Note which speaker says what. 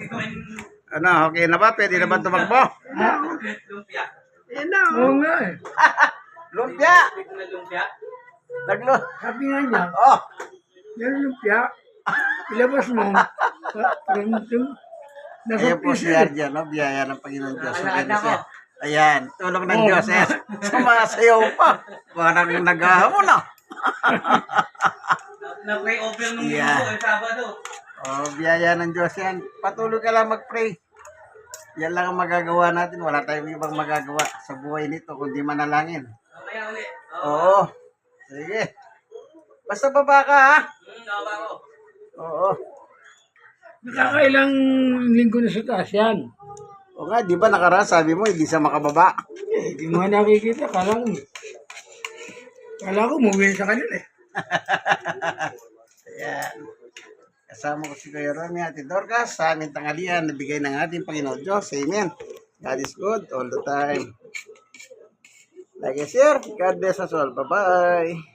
Speaker 1: Ano, okay na ba? Pwede na ba tumakbo?
Speaker 2: Lumpia.
Speaker 3: Yan na.
Speaker 4: Oo nga eh.
Speaker 1: Lumpia!
Speaker 2: Lumpia.
Speaker 1: Naglo...
Speaker 4: Sabi nga niya,
Speaker 1: Oh!
Speaker 4: yan lumpia. Ilabas mo. Nasa
Speaker 1: Ayan po si
Speaker 4: piso.
Speaker 1: Arjan, no? Biyaya ng Panginoon Diyos.
Speaker 2: Alaala ko.
Speaker 1: Ayan, tulong ng Diyos. Ayan, sumasayaw pa. Parang naghahamon na.
Speaker 2: Na-pray over nung
Speaker 1: Yeah.
Speaker 2: linggo, Sabado.
Speaker 1: Oh, biyaya ng Diyos yan. Patuloy ka lang mag-pray. Yan lang ang magagawa natin. Wala tayong ibang magagawa sa buhay nito kundi manalangin.
Speaker 2: Mamaya ulit.
Speaker 1: Oo. Sige. Basta baba ka, ha?
Speaker 2: Baba ko.
Speaker 1: Oo.
Speaker 4: Nakakailang linggo na sa taas yan.
Speaker 1: O nga, di ba nakaraan sabi mo, hindi siya makababa.
Speaker 4: Eh, di mo nakikita. Kala ko umuwi sa kanila eh.
Speaker 1: Ayan. Kasama ko si Kuya Romy at Dorcas sa aming tanghalian na bigay ng ating Panginoon Diyos. Amen. God is good all the time. Like and share. God bless us all. Bye-bye.